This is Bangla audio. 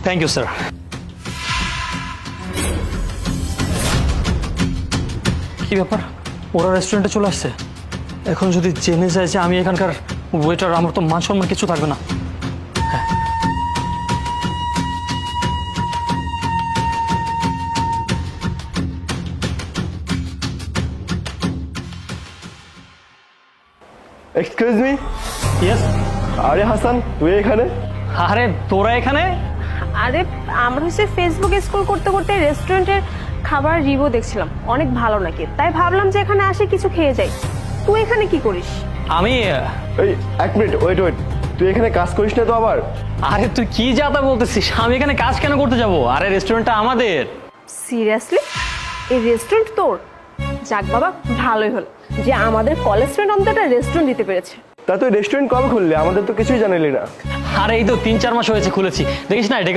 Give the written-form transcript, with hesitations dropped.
Thank you sir. কি ব্যাপার, ওরা রেস্টুরেন্টে চলে আসছে? এখন যদি জেনে যায় যে আমি এখানকার ওয়েটার, আমার তো মান সম্মান কিছু থাকবে না। Excuse me. ইয়েস। আরে হাসান, তুই এখানে? আরে তোরা এখানে? আরে আমরা হচ্ছে ফেসবুকে স্ক্রল করতে করতে রেস্টুরেন্টের খাবার রিভিউ দেখছিলাম, অনেক ভালো নাকি, তাই ভাবলাম যে এখানে আসে কিছু খেয়ে যাই। তুই এখানে কি করিস? আমি এই এক মিনিট, ওয়েট ওয়েট, তুই এখানে কাজ করিস না তো আবার? আরে তুই কি যাতা বলতেছিস? আমি এখানে কাজ কেন করতে যাব? আরে রেস্টুরেন্টটা আমাদের। সিরিয়াসলি? এই রেস্টুরেন্ট তোর? যাক বাবা, ভালোই হলো যে আমাদের কলেজ ফ্রেন্ড অন্তত একটা রেস্টুরেন্ট দিতে পেরেছে। তা তুই রেস্টুরেন্ট কবে খুললি? আমাদের তো কিছুই জানালি না। আরে এই তো 3-4 মাস হয়েছে খুলেছি, দেখিস না